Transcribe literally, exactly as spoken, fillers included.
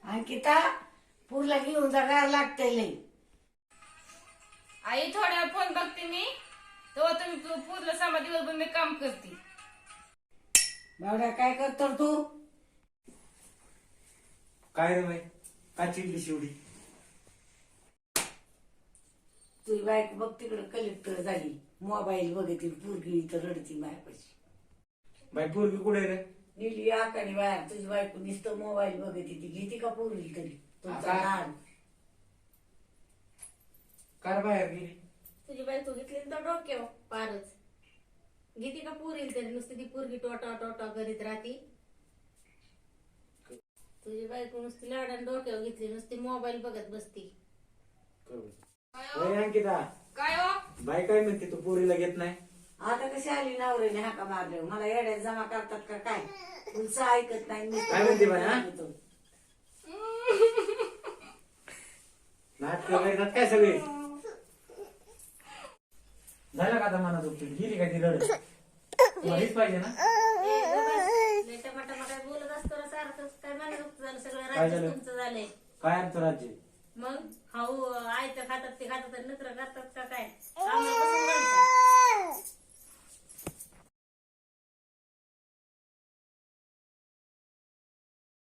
अंकिता पूरला घेऊन जा गार लागतंय लई. आई थोड्या फोन बघते मी तेव्हा तुम्ही पू- पूर्ण सहा दिवसभर मी काम करते. बावड्या काय करतो रे तू? काय रे बाई काय चिडली शेवटी? तुझी बायको बघ तिकडे कलेक्टर झाली, मोबाईल बघते, पूरगी तर रडती माझ्यापाशी. बाई पोरगी कुठे रे? लिहिली आकाने बाहेर. तुझी बायको नुसतं मोबाईल बघते, ती घेते का पूरगी तरी? तुमचा आता- लहान कार बाहेर गेली? तुझी बायको घेतली ना तर डोक्यावर पारच घेते का पुरील तरी नुसती ती पोरगी टोटा टोटा करीत राहती. तुझी बायको नुसती लाडान डोक्यावर घेतली, नुसती मोबाईल बघत बसती. ओय अंकिता, काय हो बाई काय म्हणते तू पोरीला घेत नाही? आता कशी आली नवऱ्याने हाका मारले, मला येड्यात जमा करतात का काय? तुमचं ऐकत नाही. नुसतं काय म्हणते बाई, हा? बोलतो. नाटक करतात काय सगळे? झालं का आता मनात उपटी? गेली का ती रड? हेच पाहिजे ना? ए, गं बस. लय टमाटमाटा बोलत असतो ना सारखं. काय म्हणत झालं सगळं काय राज्य झालं? तुमचं झालंय. काय आमचं राज्य? मग हाऊ आयचं खातात ते खातात आणि नत्र करतात का काय? आम्हाला